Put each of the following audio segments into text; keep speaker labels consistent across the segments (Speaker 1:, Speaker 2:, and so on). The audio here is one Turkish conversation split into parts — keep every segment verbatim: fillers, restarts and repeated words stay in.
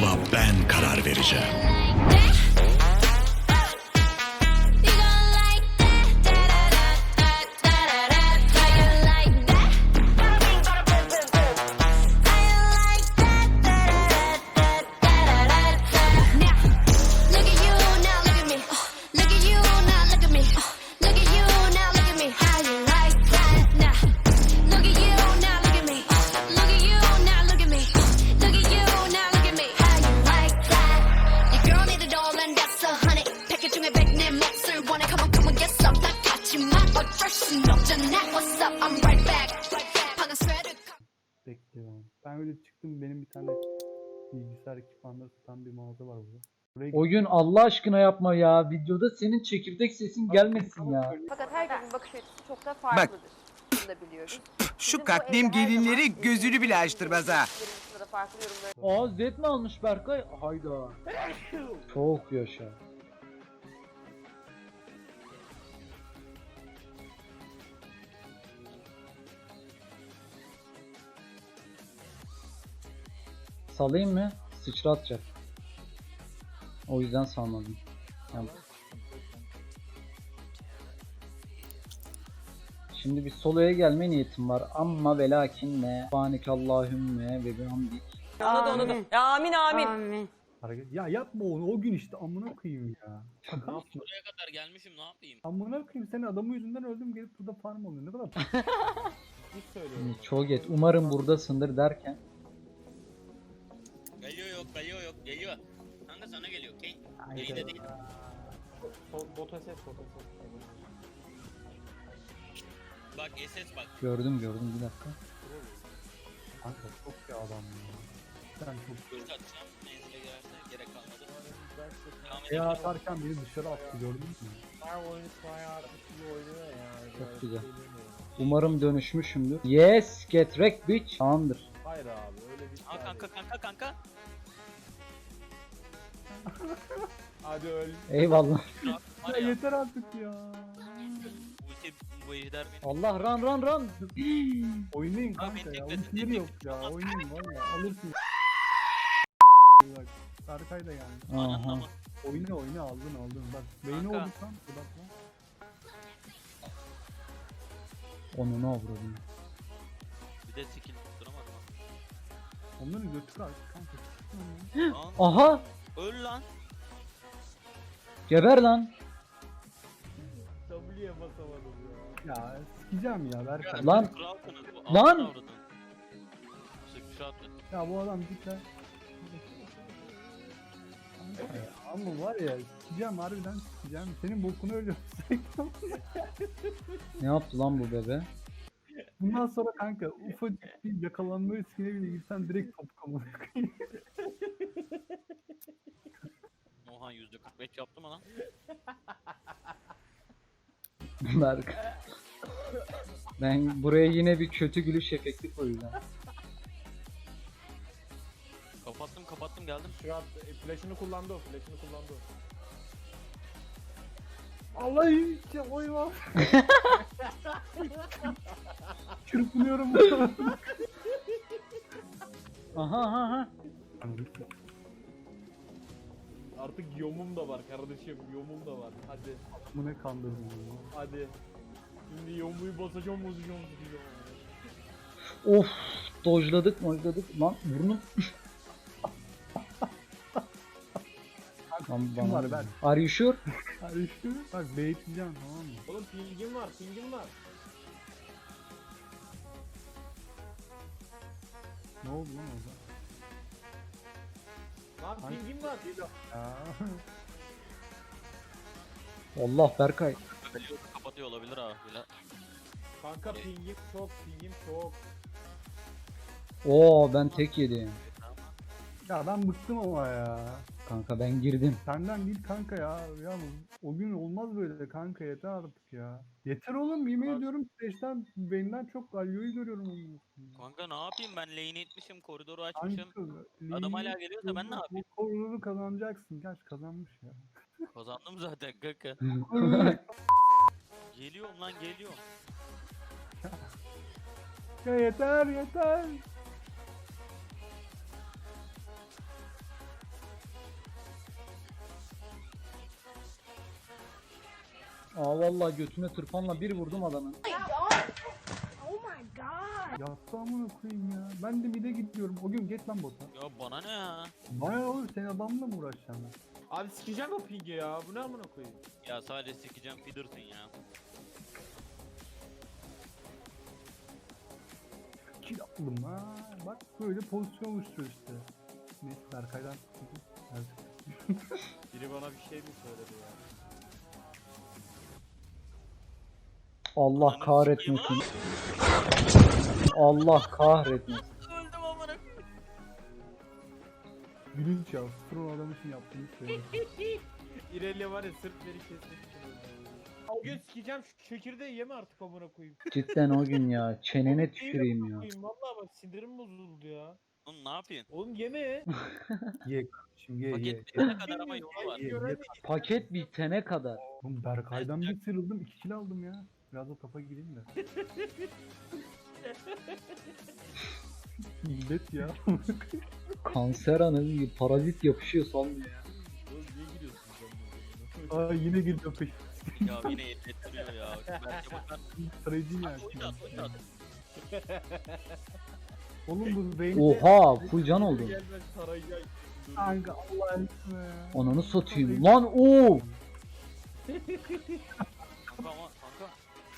Speaker 1: yola ben karar vereceğim.
Speaker 2: Bekliyorum. Ben öyle çıktım, benim bir tane bilgisayar ekipmanları satan bir mağaza var burada. Buraya
Speaker 3: O gün Allah aşkına yapma ya. Videoda senin çekirdek sesin gelmesin ya.
Speaker 4: Fakat herkesin bakış açısı çok da farklıdır. Bunu da biliyoruz.
Speaker 5: Şu katliam gelinleri gözünü bile açtırmaz ha.
Speaker 3: Aa Zed mi almış Berkay? Hayda. Çok yaşa. Salayım mı? Sıçratacak. O yüzden salmadım. Yani. Şimdi bir soloya gelme niyetim var ama ve lakin ne? Subhanekallahümme ve bihamdik.
Speaker 6: Anladı anladı. Ya amin amin.
Speaker 4: Amin.
Speaker 2: hareket... Ya yapma onu, o gün işte amına koyayım ya. Şaka mısın?
Speaker 7: Buraya kadar gelmişim, ne yapayım?
Speaker 2: Amına koyayım, senin adamı yüzünden öldüm, gelip burada farm oluyor. Ne kadar hiç söylüyorum.
Speaker 3: Çoget. Umarım buradasındır derken.
Speaker 7: Geliyor yok, geliyor yok, geliyor. Kanka sana geliyor, Kane. Beni de değil.
Speaker 2: Bota ses, bota ses.
Speaker 7: Bak S S bak.
Speaker 3: Gördüm gördüm bir dakika.
Speaker 2: Kanka çok bir adam ya. Sen çok
Speaker 7: Göz atacağım, menzile girerse gerek kalmadı. Devam
Speaker 2: ya
Speaker 7: edelim.
Speaker 2: atarken beni dışarı attı, gördün mü?
Speaker 3: Çok güzel. Umarım dönüşmüşümdür. Yes, get wrecked bitch. Tamamdır.
Speaker 2: Hayır abi, öyle bir
Speaker 7: Aa kanka kanka kanka.
Speaker 2: Hadi öl.
Speaker 3: Eyvallah.
Speaker 7: Var
Speaker 2: Ya
Speaker 7: ya,
Speaker 2: yeter artık ya.
Speaker 7: ulti bu ejder beni.
Speaker 3: Allah run run run.
Speaker 2: Oynayın
Speaker 7: Abi
Speaker 2: kanka
Speaker 7: beni
Speaker 2: ya.
Speaker 7: tekledin,
Speaker 2: Ultileri
Speaker 7: tekledin.
Speaker 2: yok ya. Oynayın var ya. Alırsın. Bak. Berkay da geldi.
Speaker 7: Ananın
Speaker 3: Aha.
Speaker 7: ama.
Speaker 2: Oyna oyna, aldın aldın. Bak beyni
Speaker 7: Kanka.
Speaker 2: olduk lan. Bak lan.
Speaker 3: Onu ne avradın?
Speaker 7: Bir de skill tutturamadım.
Speaker 2: Onların götü kalktı kanka.
Speaker 7: Lan,
Speaker 3: Aha!
Speaker 7: öl lan.
Speaker 3: Geber lan.
Speaker 2: W'ye basamadım ya. Ya sikeceğim ya Berkay.
Speaker 3: Lan!
Speaker 7: Kralsınız bu.
Speaker 3: Lan!
Speaker 7: altına avradın. Sıçrattı.
Speaker 2: Ya bu adam git lan. Kanka ya, ama var ya sikeceğim, harbiden sikeceğim. Senin bokunu ölüyorum.
Speaker 3: Ne yaptı lan bu bebe?
Speaker 2: Bundan sonra kanka ufacık bir yakalanma riskine bile girsen direkt top kamına koyayım.
Speaker 7: Oha yüzde kırk beş yaptım lan.
Speaker 3: Berk. Ben buraya yine bir kötü gülüş efekti koyacağım.
Speaker 7: Kapattım kapattım geldim.
Speaker 8: Şu an flash'ını kullandı o, flash'ını kullandı o.
Speaker 2: Allah iyi ya, oy var. Çırpınıyorum.
Speaker 3: Aha aha aha.
Speaker 8: Artık yomum da var kardeşim, yomum da var. Hadi,
Speaker 2: Bu ne kandırdın ya.
Speaker 8: hadi. Şimdi yomuyu basacağım, bozacağım, bozacağım.
Speaker 3: Of, dojladık mojladık lan burnum. Lan
Speaker 2: Kim var ben?
Speaker 3: Are you sure?
Speaker 2: Hadi işte bak beyitleyeceğim, tamam mı?
Speaker 8: Oğlum pingim var, pingim var.
Speaker 2: Ne oldu lan orada?
Speaker 8: Lan
Speaker 2: Hangi-
Speaker 8: pingim var.
Speaker 2: Ya.
Speaker 3: Allah Berkay.
Speaker 7: Geliyor kapatıyor olabilir abi. Bile.
Speaker 8: Kanka pingim çok, pingim çok.
Speaker 3: Oo ben tek yedim.
Speaker 2: Ya ben bıktım ama ya.
Speaker 3: Kanka ben girdim.
Speaker 2: Senden değil kanka ya. Ya o gün olmaz böyle kanka, yeter artık ya. Yeter oğlum, yemin
Speaker 8: Bak.
Speaker 2: ediyorum Steş'ten benden çok Galio'yu görüyorum onun.
Speaker 7: Kanka ne yapayım ben lane etmişim koridoru açmışım.
Speaker 2: Kanka,
Speaker 7: Adam hala geliyorsa ben ne yapayım?
Speaker 2: Bu koridoru kazanacaksın. Gerçi kazanmış ya.
Speaker 7: Kazandım zaten kanka. Geliyorum lan geliyorum.
Speaker 2: Ya yeter yeter.
Speaker 3: vallahi götüne tırpanla bir vurdum adamın.
Speaker 2: Yattı amına koyayım ya. Ben de mide gidiyorum. O gün geç lan bota.
Speaker 7: Ya bana ne ya?
Speaker 2: Bana oğlum sen adamla mı uğraşacaksın?
Speaker 8: Abi sikeceğim o pingi ya. Bu ne amına koyayım?
Speaker 7: Ya sadece sikeceğim feeder'sın ya.
Speaker 2: Kill aldım ha. Bak böyle pozisyon oluşturuyor işte. Neyse Berkay'dan sıkıldım.
Speaker 8: Biri bana bir şey mi söyledi ya?
Speaker 3: Allah
Speaker 7: Ananı
Speaker 3: kahretmesin. Allah kahretmesin.
Speaker 7: Öldüm amına.
Speaker 2: Gülünç ya. Stron adam için yaptığını söylüyor.
Speaker 8: İrelia var ya sırf beni kesmek için öldü. O gün sikeceğim şu çekirdeği yeme artık amına koyayım.
Speaker 3: Cidden o gün ya. Çenene
Speaker 8: Değil
Speaker 3: tüküreyim
Speaker 8: amına
Speaker 3: ya.
Speaker 8: koyayım, vallahi bak sindirim bozuldu ya.
Speaker 7: Oğlum ne yapıyorsun?
Speaker 8: Oğlum yeme.
Speaker 2: Ye şimdi ye ye.
Speaker 7: Paket bitene kadar ama yolu var.
Speaker 2: Ye, ye.
Speaker 3: Paket bitene kadar.
Speaker 2: Oğlum Berkay'dan bir sıyrıldım. iki kill aldım ya. Biraz da topa gireyim de. Millet ya.
Speaker 3: Kanser anı parazit yapışıyor salmıyor ya.
Speaker 8: Oğlum niye giriyorsun sen bunu?
Speaker 2: Aa yine geliyor peş.
Speaker 7: Ya yine yetettiriyor ya. Belki bakar.
Speaker 2: Sarayıcı ya.
Speaker 7: Oyunu at, oyunu at.
Speaker 2: Oğlum bu Vayne'de...
Speaker 3: Oha full can oldum.
Speaker 8: Gelmez tarayacak.
Speaker 2: Kanka Allah aşkına ya.
Speaker 3: Ananı satayım. Lan o.
Speaker 7: Kanka ama kanka.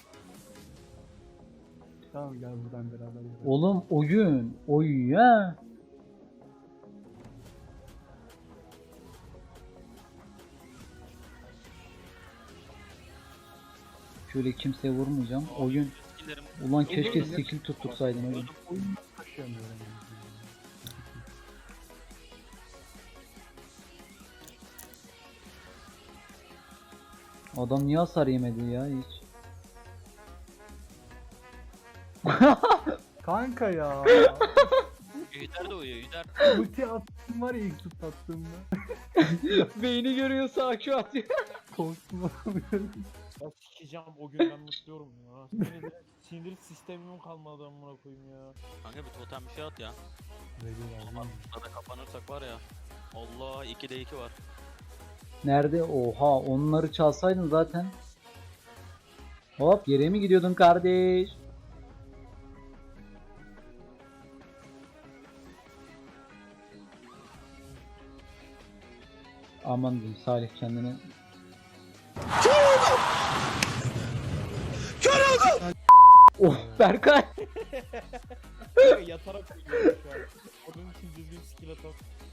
Speaker 2: Tamam gel buradan beraber gidelim.
Speaker 3: Oğlum oyun. Oy ya. Şöyle kimseye vurmayacağım. Oyun.
Speaker 7: Skillerim.
Speaker 3: Ulan keşke skill tuttursaydın oyun.
Speaker 2: Oyunu taşıyamıyorum. yani.
Speaker 3: Adam niye hasar yemedi ya hiç?
Speaker 2: Kanka ya.
Speaker 7: Yüzer de uyuyor yüzer.
Speaker 2: Ulti attım var ya ilk tut attığımda.
Speaker 3: Beyni görüyorsa akü atıyor.
Speaker 2: Korktum.
Speaker 8: Ya sikeceğim o gün ben mutluyorum ya. Sinir, sinir sistemim kalmadı amına koyayım ya.
Speaker 7: Kanka bir totem bir şey at ya. Burada kapanırsak var ya. Allah ikide iki var.
Speaker 3: Nerede? Oha onları çalsaydın zaten. Hop yere mi gidiyordun kardeş? Aman diyeyim Salih kendini. Oh Berkay.
Speaker 8: Kanka yatarak uyuyorum şu an. Onun için düzgün skill atak.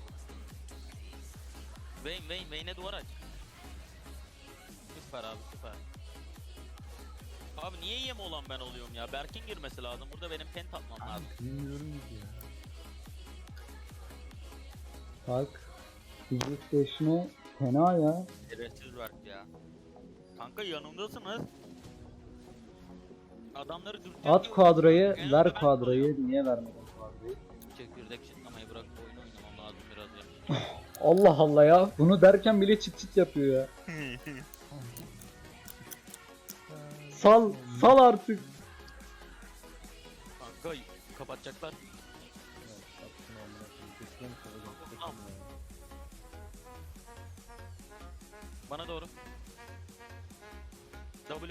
Speaker 7: Vayne Vayne Vayne'e duvar aç. Süper abi süper. Abi niye yem olan ben oluyorum ya? Berk'in girmesi lazım. Burada benim pent atmam lazım.
Speaker 2: Bilmiyorum ki ya.
Speaker 3: Bak. Fizik fena ya.
Speaker 7: Şerefsiz Berk ya. Kanka yanımdasınız. Adamları dürtecek
Speaker 3: At
Speaker 7: gibi-
Speaker 3: kuadrayı,
Speaker 7: En
Speaker 3: ver
Speaker 7: azından ben
Speaker 3: kuadrayı. Niye vermedin kuadrayı?
Speaker 7: Çekirdek çıtlamayı bırak oyun oynamam lazım biraz ya.
Speaker 3: Allah Allah ya. Bunu derken bile çıt çıt yapıyor ya. Sal, sal artık.
Speaker 7: Kanka kapatacaklar. Tamam. Bana doğru. W.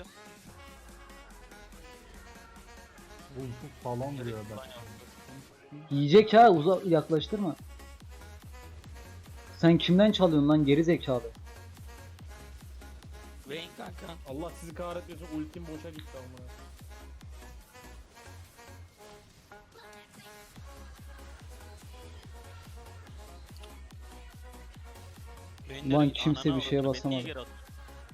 Speaker 2: Oğlum çok sağlam duruyor adam.
Speaker 3: Yiyecek ha, uza yaklaştırma. Sen kimden çalıyorsun lan geri zekalı?
Speaker 7: Vayne kanka.
Speaker 8: Allah sizi kahretmesin ultim boşa gitti amına.
Speaker 7: Vayne'leri
Speaker 3: Ulan kimse
Speaker 7: anana
Speaker 3: bir şeye
Speaker 7: avradını, beni niye
Speaker 3: basamadı.
Speaker 7: geri attın?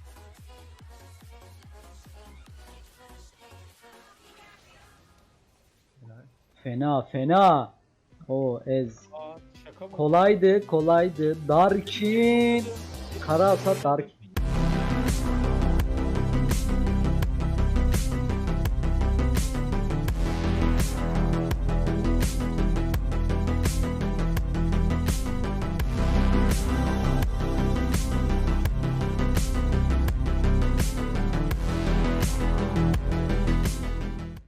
Speaker 3: Fena fena. O ez.
Speaker 8: Aa şaka mı?
Speaker 3: Kolaydı kolaydı. Darkin. Kara hasat Darkin.